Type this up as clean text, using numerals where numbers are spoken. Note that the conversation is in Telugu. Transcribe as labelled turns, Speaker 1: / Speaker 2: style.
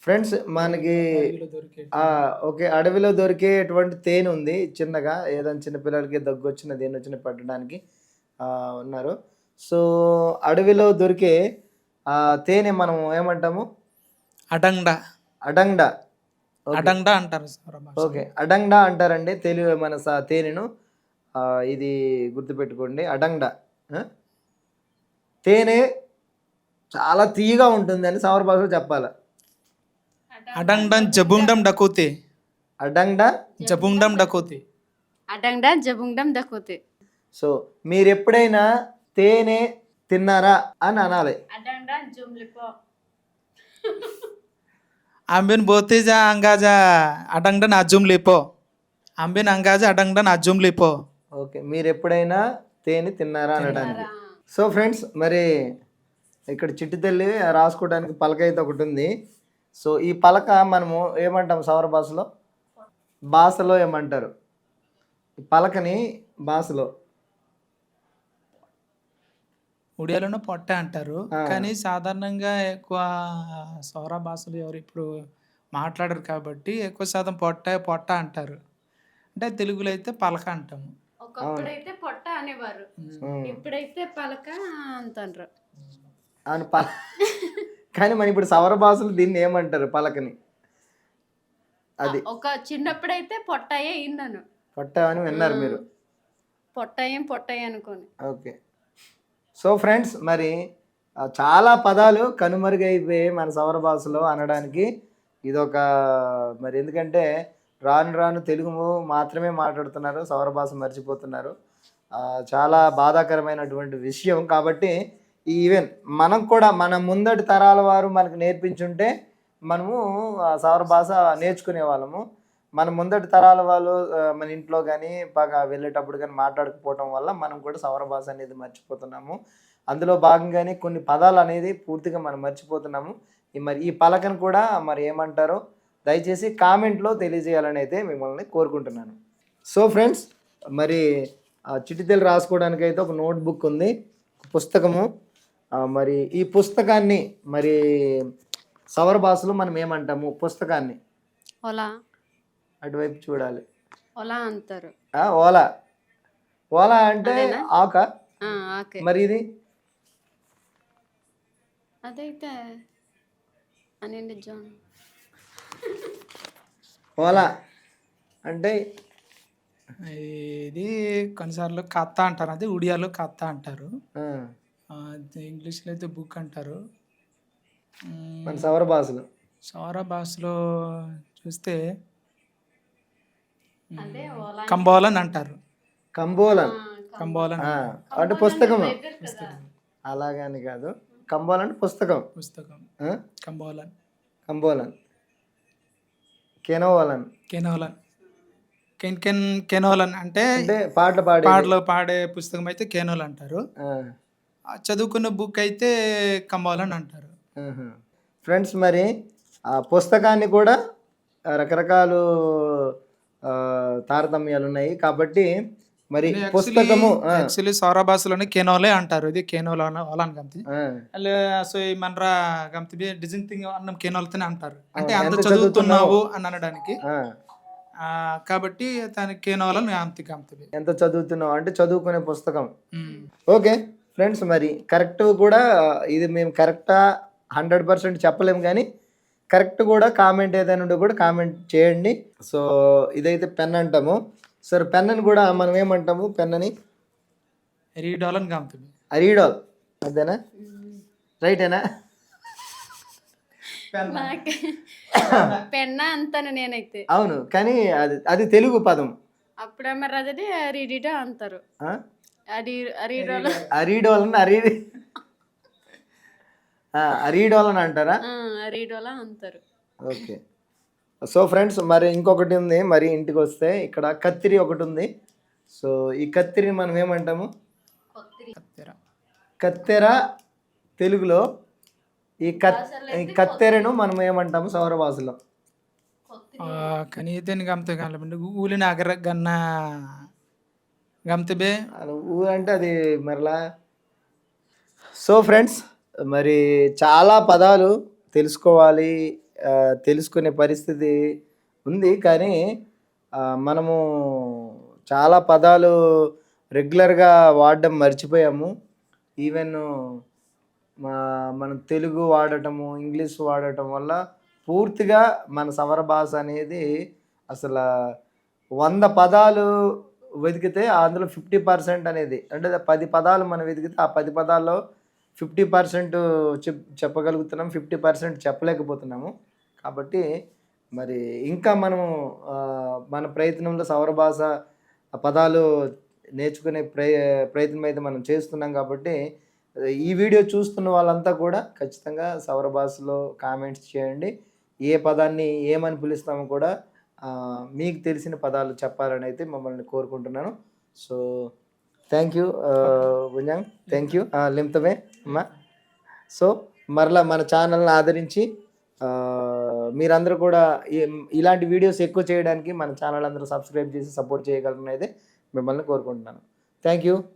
Speaker 1: ఫ్రెండ్స్ మనకి
Speaker 2: అడవిలో దొరికే
Speaker 1: ఓకే. అడవిలో దొరికేటువంటి తేనె ఉంది చిన్నగా. ఏదైనా చిన్న పిల్లలకి దగ్గొచ్చినా, దేన్నొచ్చినా పెట్టడానికి ఉన్నారు. సో, అడవిలో దొరికే తేనె మనం ఏమంటాము?
Speaker 2: అడంగ
Speaker 1: అడంగ. ఓకే.
Speaker 2: అడంగ అంటారు సౌర భాషలో.
Speaker 1: ఓకే. అడంగ అంటారండి మన తేనెను. ఇది గుర్తుపెట్టుకోండి. అడంగ. ఆ! తేనె చాలా తియ్యగా ఉంటుందని సౌర భాషలో చెప్పాల.
Speaker 2: అడంగడం జబుండం డకోతే.
Speaker 1: అడంగ
Speaker 2: జబుండం డకోతే.
Speaker 3: అడంగడా జబుంగడం దకోతే.
Speaker 1: సో, మీరెప్పుడైనా తేనె తిన్నారా అని అనాలి.
Speaker 3: అడంగడా జుమ్లిపో.
Speaker 2: Ambien bote ja anggaja adangdan ajum lepo. Ambien anggaja adangdan ajum lepo.
Speaker 1: Okay. మీరెప్పుడైనా తేనె తిన్నారా అనడానికి. సో ఫ్రెండ్స్, మరి ఇక్కడ చిట్టి తల్లి రాసుకోవడానికి పలక అయితే ఒకటి ఉంది. సో, ఈ పలక మనము ఏమంటాం సౌర భాషలో ఏమంటారు? ఈ పలకని భాషలో
Speaker 2: ఉడియాలోనే పొట్ట అంటారు. కానీ సాధారణంగా ఎక్కువ సౌర భాషలు ఎవరు ఇప్పుడు మాట్లాడరు కాబట్టి ఎక్కువ శాతం పొట్ట అంటారు. అంటే తెలుగులో అయితే పలక అంటాము.
Speaker 3: ఒకప్పుడైతే పొట్ట అనేవారు, ఇప్పుడైతే పలక అంటారు.
Speaker 1: అని కానీ మన ఇప్పుడు సౌర భాషలు దీన్ని ఏమంటారు పలకని? అది
Speaker 3: ఒక చిన్నప్పుడైతే పొట్టయే ఇన్నాను.
Speaker 1: పొట్ట అని విన్నారు మీరు.
Speaker 3: పొట్టయ్య అనుకోని.
Speaker 1: ఓకే. సో ఫ్రెండ్స్, మరి చాలా పదాలు కనుమరుగైపోయాయి మన సౌర భాషలో అనడానికి. ఇదొక మరి ఎందుకంటే రాను రాను తెలుగు మాత్రమే మాట్లాడుతున్నారు, సౌర భాష మర్చిపోతున్నారు. చాలా బాధాకరమైనటువంటి విషయం. కాబట్టి ఈవెన్ మనం కూడా మన ముందటి తరాల వారు మనకు నేర్పించుంటే మనము సౌర భాష నేర్చుకునే వాళ్ళము. మన ముందటి తరాల వాళ్ళు మన ఇంట్లో కానీ బాగా వెళ్ళేటప్పుడు కానీ మాట్లాడకపోవటం వల్ల మనం కూడా సౌర భాష అనేది మర్చిపోతున్నాము. అందులో భాగంగానే కొన్ని పదాలు అనేది పూర్తిగా మనం మర్చిపోతున్నాము. మరి ఈ పలకను కూడా మరి ఏమంటారో దయచేసి కామెంట్లో తెలియజేయాలని అయితే మిమ్మల్ని కోరుకుంటున్నాను. సో ఫ్రెండ్స్, మరి చిట్టితెలు రాసుకోవడానికి అయితే ఒక నోట్బుక్ ఉంది, పుస్తకము. మరి ఈ పుస్తకాన్ని మరి సౌర భాషలో మనం ఏమంటాము? పుస్తకాన్ని
Speaker 3: ఓలా,
Speaker 1: అటువైపు చూడాలి.
Speaker 3: ఓలా అంటారు.
Speaker 1: ఓలా. ఓలా అంటే ఆక. మరి ఇది
Speaker 3: అదైతే అనండి జాన్.
Speaker 1: ఓలా అంటే
Speaker 2: ఇది కొన్నిసార్లు కత్త అంటారు, అది ఉడియాలో కత్త అంటారు. ఇంగ్లీష్లో అయితే బుక్ అంటారు.
Speaker 1: మన సౌర భాషలో
Speaker 2: చూస్తే కంబోలన్ అంటారు.
Speaker 1: కంబోలన్ అంటే పుస్తకం. అలాగని కాదు, కంబోలన్ అంటే పుస్తకం. కంబోలన్.
Speaker 2: కెనోలన్ అంటే పాటలు పాడే పుస్తకం అయితే కెనోల్ అంటారు. చదువుకున్న బుక్ అయితే కంబోలన్ అంటారు.
Speaker 1: ఫ్రెండ్స్, మరి ఆ పుస్తకాన్ని కూడా రకరకాలు తారతమ్యాలు ఉన్నాయి. కాబట్టి మరి పుస్తకము
Speaker 2: యాక్చువల్లీ సౌర భాషలోనే కెనోలే అంటారు. ఇది కెనోల్ అలాన్ గంతి సో మనరా గంతి డిజైన్ థింగ్ అన్నం కెనోల్తోనే అంటారు. అంటే అంత చదువుతున్నావు అని అనడానికి. కాబట్టి దానికి కెనోలని గంతి
Speaker 1: ఎంత చదువుతున్నావు అంటే చదువుకునే పుస్తకం. ఓకే ఫ్రెండ్స్, మరి కరెక్ట్ కూడా ఇది మేము కరెక్టా 100% చెప్పలేము, కానీ కరెక్ట్ కూడా కామెంట్ ఏదైనా ఉంటే కూడా కామెంట్ చేయండి. సో ఇదైతే పెన్ అంటాము. సరే, పెన్నని కూడా మనం ఏమంటాము? పెన్నని
Speaker 2: రీడాల్.
Speaker 1: అదేనా? రైటేనా?
Speaker 3: పెన్న అంతాను నేనైతే.
Speaker 1: అవును, కానీ అది తెలుగు పదం.
Speaker 3: అప్పుడు అదే రీడిడో అంటారు.
Speaker 1: అరీడోలని అంటారా?
Speaker 3: అరీడోలా అంటారు.
Speaker 1: ఓకే. సో ఫ్రెండ్స్, మరి ఇంకొకటి ఉంది. మరి ఇంటికి వస్తే ఇక్కడ కత్తిరి ఒకటి ఉంది. సో ఈ కత్తిరిని మనం ఏమంటాము? కత్తెర తెలుగులో. ఈ కత్తెరను మనం ఏమంటాము సౌర భాషలో?
Speaker 2: కనీతని గంత ఊలిన అగర గన్న గంతబే
Speaker 1: ఊ అంటే అది మరలా. సో ఫ్రెండ్స్, మరి చాలా పదాలు తెలుసుకోవాలి తెలుసుకునే పరిస్థితి ఉంది. కానీ మనము చాలా పదాలు రెగ్యులర్గా వాడడం మర్చిపోయాము. ఈవెన్ మనం తెలుగు వాడటము, ఇంగ్లీష్ వాడటం వల్ల పూర్తిగా మన సవర భాష అనేది అసలు 100 పదాలు వెతికితే అందులో 50% అనేది అంటే 10 పదాలు మనం వెతికితే ఆ 10 పదాల్లో 50% చెప్పగలుగుతున్నాం, 50% చెప్పలేకపోతున్నాము. కాబట్టి మరి ఇంకా మనము మన ప్రయత్నంలో సౌర భాష పదాలు నేర్చుకునే ప్రయత్నం అయితే మనం చేస్తున్నాం. కాబట్టి ఈ వీడియో చూస్తున్న వాళ్ళంతా కూడా ఖచ్చితంగా సౌర భాషలో కామెంట్స్ చేయండి. ఏ పదాన్ని ఏమని పిలుస్తామో కూడా మీకు తెలిసిన పదాలు చెప్పాలని అయితే మమ్మల్ని కోరుకుంటున్నాను. సో థ్యాంక్ యూ బుంజాంగ్, థ్యాంక్ యూ లిమ్తమే అమ్మా. సో మరలా మన ఛానల్ని ఆదరించి మీరందరూ కూడా ఇలాంటి వీడియోస్ ఎక్కువ చేయడానికి మన ఛానల్ అందరూ సబ్స్క్రైబ్ చేసి సపోర్ట్ చేయగలరని అయితే మిమ్మల్ని కోరుకుంటున్నాను. Thank you.